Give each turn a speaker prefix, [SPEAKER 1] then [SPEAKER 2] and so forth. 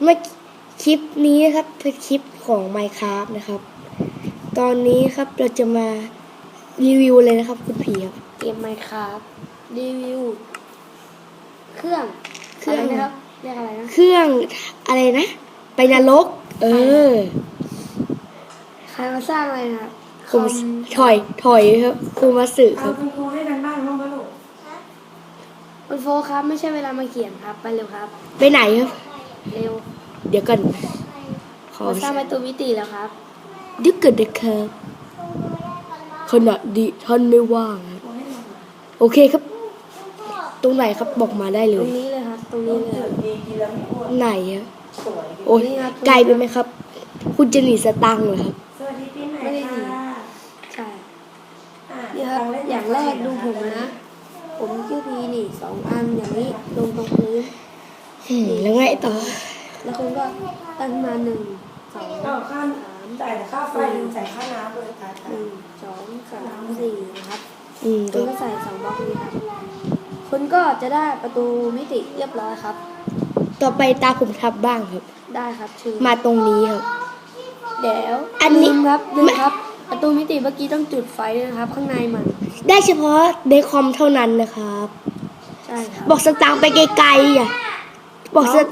[SPEAKER 1] เมื่อคลิปนี้นะครับเป็นคลิปของ Minecraft นะครับ ตอนนี้ครับเราจะมารีวิวเลยนะครับคุณผีครับ
[SPEAKER 2] เกม Minecraft รีวิวเครื่องนะครับเรียกอะไรนะ
[SPEAKER 1] เครื่องอะไรนะไปนรก
[SPEAKER 2] ใครมาสร้างอะไรนะ
[SPEAKER 1] ผมถอยครับครูมาสึครับ
[SPEAKER 3] คุณครูให้กันบ้านบ้างไหมลูก
[SPEAKER 2] คุณโฟครับไม่ใช่เวลามาเขียนครับไปเร็วครับ
[SPEAKER 1] ไปไหนครับ
[SPEAKER 2] เร็ว
[SPEAKER 1] เดี๋ยวก่อนขอ
[SPEAKER 2] มาสร้างประตูมิติแล้วครับ
[SPEAKER 1] เดี๋ยวเกิดนะครับขณะดิท่านไม่ว่างครับโอเคครับ ตรงไหนครับบอกมาได้เล
[SPEAKER 2] ตร
[SPEAKER 1] ย
[SPEAKER 2] งนี้เลยครับตรงนี้เลยครับ
[SPEAKER 3] ดีกินแล้วไม่อ้วน
[SPEAKER 1] ไหนอะ
[SPEAKER 3] สวย
[SPEAKER 1] โอ้ย
[SPEAKER 2] นี่ครับ
[SPEAKER 1] ไกลไปไหมครับ คุณจะหนีสตังค์เหรอครับ
[SPEAKER 3] สวัสดีปีใหม่
[SPEAKER 2] ไม่ได้หนี
[SPEAKER 3] ค่ะ
[SPEAKER 2] ใช่นี่ครับอย่างแรกดูผมนะผมชื่อพีนี่2 อันอย่างนี้ลงตรงพื้น
[SPEAKER 1] แล้วไงต่อ
[SPEAKER 2] แล้วคุณก็ตั้งมา1 2
[SPEAKER 3] เอาค่าจ่ายแต่ค่าไฟจ่ายค่าน้ำเลยค่ะ
[SPEAKER 2] 1 2 3 4นะครับ
[SPEAKER 1] อืม
[SPEAKER 2] คุณก็ใส่2 บล็อกนี้ครับคุณก็จะได้ประตูมิติเรียบร้อยครับ
[SPEAKER 1] ต่อไปตาผมทับบ้างครับ
[SPEAKER 2] ได้ครับชื่อ
[SPEAKER 1] มาตรงนี้ครับ
[SPEAKER 2] เดี๋ยว
[SPEAKER 1] อันนี้
[SPEAKER 2] ลืมครับ ประตูมิติเมื่อกี้ต้องจุดไฟด้วยนะครับ ข้างในมัน
[SPEAKER 1] ได้เฉพาะในคอมเท่านั้นนะครับ
[SPEAKER 2] ใช่ครับ
[SPEAKER 1] บอกสตางค์ไปไกลๆอ่ะบอกส